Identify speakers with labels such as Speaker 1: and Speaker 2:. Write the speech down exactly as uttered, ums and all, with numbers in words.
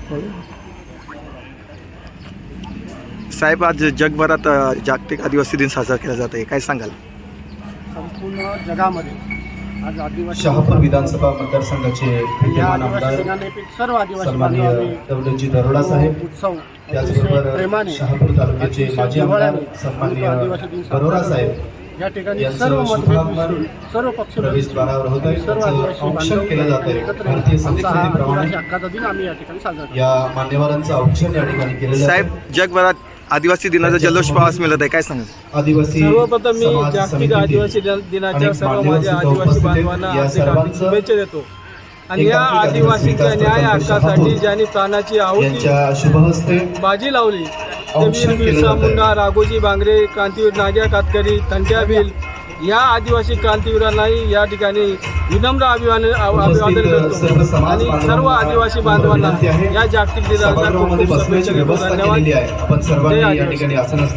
Speaker 1: साहेब, आज जगभरात जागतिक आदिवासी दिन साजरा केला जात आहे, काय सांगाल?
Speaker 2: संपूर्ण जगामध्ये आज आदिवासी
Speaker 3: शहापूर विधानसभा मतदारसंघाचे विद्यमान आमदार
Speaker 2: सर्व आदिवासी
Speaker 3: सन्माननीय दौलतजी दरोडा साहेब,
Speaker 2: उत्सव
Speaker 3: त्याचबरोबर
Speaker 2: प्रेमाने
Speaker 3: शहापूर तालुक्याचे माजी आमदार सन्माननीय बरोरा साहेब
Speaker 2: या ठिकाणी
Speaker 3: यांचं
Speaker 2: सर्व मतभेद
Speaker 3: शुभागमन
Speaker 2: विसरून सर्व पक्ष
Speaker 3: प्रवेशद्वारावर होत आहे.
Speaker 2: सर्व
Speaker 3: त्याचं
Speaker 2: आदिवासी
Speaker 3: औक्षण केलं जात आहे.
Speaker 2: एकत्र
Speaker 3: भारतीय
Speaker 2: आमचा हा
Speaker 3: संस्कृतीप्रमाणे
Speaker 2: आदिवासी हक्काचा दिन आम्ही या ठिकाणी साजरा करतो.
Speaker 3: या मान्यवरांचं औक्षण या ठिकाणी केलेलं
Speaker 1: साहेब,
Speaker 3: आहे.
Speaker 1: जगभरात आदिवासी दिनाचा जल्लोष पाहास मिळत आहे, काय सांगाल?
Speaker 3: आदिवासी
Speaker 4: सर्वप्रथम मी
Speaker 3: समाज
Speaker 4: जागतिक
Speaker 3: समितीतील
Speaker 4: आदिवासी दिनाच्या
Speaker 3: अनेक
Speaker 4: सर्व
Speaker 3: मान्यवर
Speaker 4: माझ्या
Speaker 3: सुद्धा
Speaker 4: आदिवासी
Speaker 3: उपस्थित आहेत.
Speaker 4: बांधवांना
Speaker 3: या
Speaker 4: हार्दिक हार्दिक
Speaker 3: सर्वांचं
Speaker 4: शुभेच्छा देतो. आणि या
Speaker 3: एकात्मिक आदिवासी
Speaker 4: आदिवासीच्या
Speaker 3: विकास
Speaker 4: न्याय
Speaker 3: प्रकल्प
Speaker 4: हक्कासाठी
Speaker 3: शहापूर
Speaker 4: ज्यांनी प्राणाची आहुती
Speaker 3: यांच्या शुभहस्ते
Speaker 4: बाजी लावली ते
Speaker 3: औक्षण
Speaker 4: वीर
Speaker 3: केलं
Speaker 4: बिरसा
Speaker 3: जात आहे.
Speaker 4: मुंडा, राघोजी बांगरे, क्रांतीवीर नाग्या कातकरी, तंट्या भिल या आदिवासी क्रांतीवीरांनाही या ठिकाणी विनम्र अभिवादन अभिवादन
Speaker 3: सर्व
Speaker 4: करतो.
Speaker 3: समाज
Speaker 4: आणि
Speaker 3: बांधवांना
Speaker 4: सर्व आदिवासी बांधवांना
Speaker 3: विनंती आहे.
Speaker 4: या जागतिक दिनाच्या खूप
Speaker 3: सभागृहामध्ये
Speaker 4: खूप
Speaker 3: बसण्याची
Speaker 4: शुभेच्छा देतो.
Speaker 3: व्यवस्था
Speaker 4: धन्यवाद.
Speaker 3: केलेली आहे. आपण
Speaker 4: जय
Speaker 3: सर्वांनी या
Speaker 4: आदिवासी.
Speaker 3: ठिकाणी आसन